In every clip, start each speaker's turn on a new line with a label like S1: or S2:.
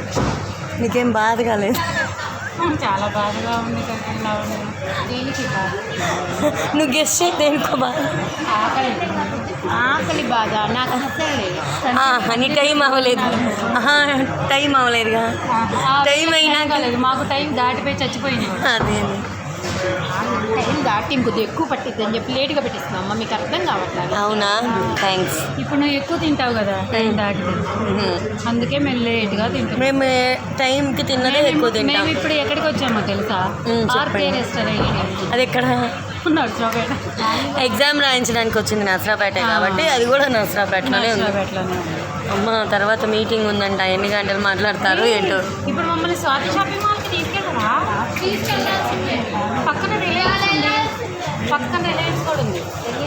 S1: నీకేం బాధ కాలేదు?
S2: చాలా బాధగా ఉంది కదా. దేనికి బాధ?
S1: నువ్వు గెస్ట్ చేయి, దేనికో బాధ.
S2: ఆకలి ఆకలి బాధ నాకు అసలు లేదు.
S1: నీ టైం అవ్వలేదు. టైం అవ్వలేదుగా. టైం అయినా
S2: కాలేదు, మాకు టైం దాటిపోయి చచ్చిపోయింది.
S1: అదే
S2: టైం దాటి ఇంకొద్ది ఎక్కువ పట్టిద్ది అని చెప్పి లేట్గా పెట్టిస్తున్నాం అమ్మ, మీకు అర్థం కావట్లేదు.
S1: అవునా? థ్యాంక్స్.
S2: ఇప్పుడు నువ్వు ఎక్కువ తింటావు కదా టైం దాటితే, అందుకే మేము లేట్గా తింటాం.
S1: మేము టైంకి తిన్నదే ఎక్కువ తింటాం.
S2: మేము ఇప్పుడు ఎక్కడికి వచ్చామో తెలుసా? R K restaurant.
S1: అది ఎక్కడ?
S2: నర్సరాపేట.
S1: ఎగ్జామ్ రాయించడానికి వచ్చింది నర్సరాపేట కాబట్టి అది కూడా నర్సరాపేటలోనే ఉంది. అమ్మ తర్వాత మీటింగ్ ఉందంట, ఎన్ని గంటలు మాట్లాడతారు ఏంటో.
S2: ఇప్పుడు మమ్మల్ని స్వాతి షాపింగ్ మాల్కి తీసుకెళ్ళరా? తీసుకెళ్ళాల్సిందే. పక్కన రిలయన్స్ కూడా ఉంది.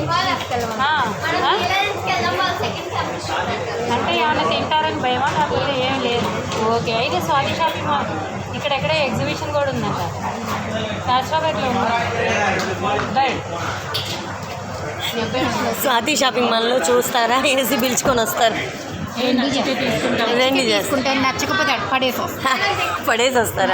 S2: అంటే ఏమైనా తింటారని భయమా? కాకపోతే ఏం లేదు. ఓకే అయితే స్వాతి షాపింగ్ మాల్ ఇక్కడెక్కడ ఎగ్జిబిషన్ కూడా ఉందంట, నర్సరాపేటలో ఉంది.
S1: స్వాతి షాపింగ్ మాల్లో చూస్తారా? ఏసీ పిలుచుకొని వస్తారు. రెండు
S2: తీసుకుంటే నచ్చకపోతే
S1: పడేసి వస్తారా?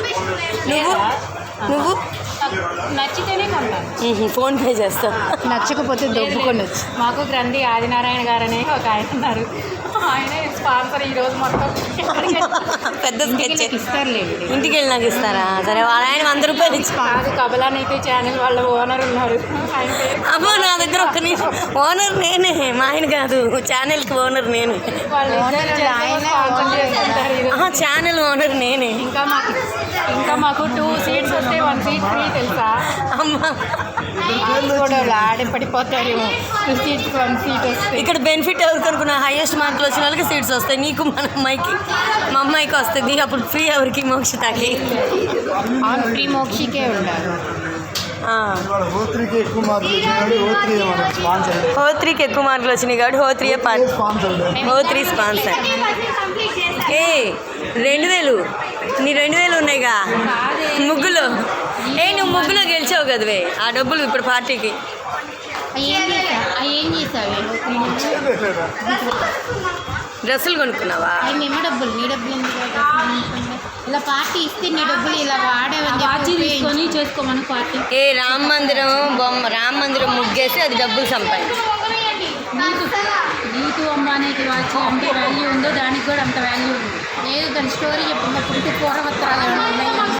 S1: నువ్వు
S2: నచ్చితేనే కొంటాను.
S1: ఫోన్పే చేస్తావు,
S2: నచ్చకపోతే దొబ్బుకొని వచ్చి. మాకు గ్రంథి ఆదినారాయణ గారు అనే ఒక ఆయన ఉన్నారు, ఆయన స్పాన్సర్ ఈరోజు మొత్తం
S1: పెద్ద స్కెచ్
S2: ఇస్తారులేండి.
S1: ఇంటికి వెళ్ళి నాకు ఇస్తారా? సరే, వాళ్ళ ఆయన 100 రూపాయలు ఇచ్చి.
S2: అది కబలానైతే ఛానల్ వాళ్ళ ఓనర్ ఉన్నారు.
S1: అమ్మో నా దగ్గర ఒక్క నిమిషం. ఓనర్ నేనే, మా ఆయన కాదు. ఛానల్కి ఓనర్ నేనే. ఛానల్ ఓనర్ నేనే.
S2: ఇంకా మాకు 2 సీట్స్ వస్తే 1 సీట్ ఫ్రీ తెలుసా?
S1: అమ్మా
S2: కూడా ఆడే పడిపోతారేమో. 2 సీట్స్ 1 సీట్ వస్తే
S1: ఇక్కడ బెనిఫిట్ ఎవరికి అనుకున్నా? హైయెస్ట్ మార్కులు వచ్చిన వాళ్ళకి సీట్స్ వస్తాయి. నీకు మా అమ్మాయికి వస్తుంది. అప్పుడు ఫ్రీ ఎవరికి? మోక్షితాకి.
S2: ఫ్రీ మోక్షికే ఉండాలి.
S1: హోత్రీకి ఎక్కువ మార్కులు వచ్చినాయి కాబట్టి హోత్రీ స్పాన్సర్. 2000 నీ 2000 ఉన్నాయిగా ముగ్గులో. నువ్వు ముగ్గులో గెలిచావు కదవే, ఆ డబ్బులు ఇప్పుడు పార్టీకి.
S2: ఏం చేసావు?
S1: డ్రెస్సులు కొనుక్కున్నావా?
S2: మేము డబ్బులు, నీ డబ్బులు ఇలా పార్టీ ఇస్తే నీ డబ్బులు ఇలా వాడేవని తీసుకొని చేసుకోమని పార్టీ.
S1: రామ మందిరం ముగ్గేసి అది డబ్బులు సంపాదించు.
S2: నీకు అమ్మ అనేది వాచ్ ఎంత వాల్యూ ఉందో దానికి కూడా అంత వాల్యూ ఉంది. లేదు దాని స్టోరీ చెప్పినప్పుడు పూర్వత్రాలు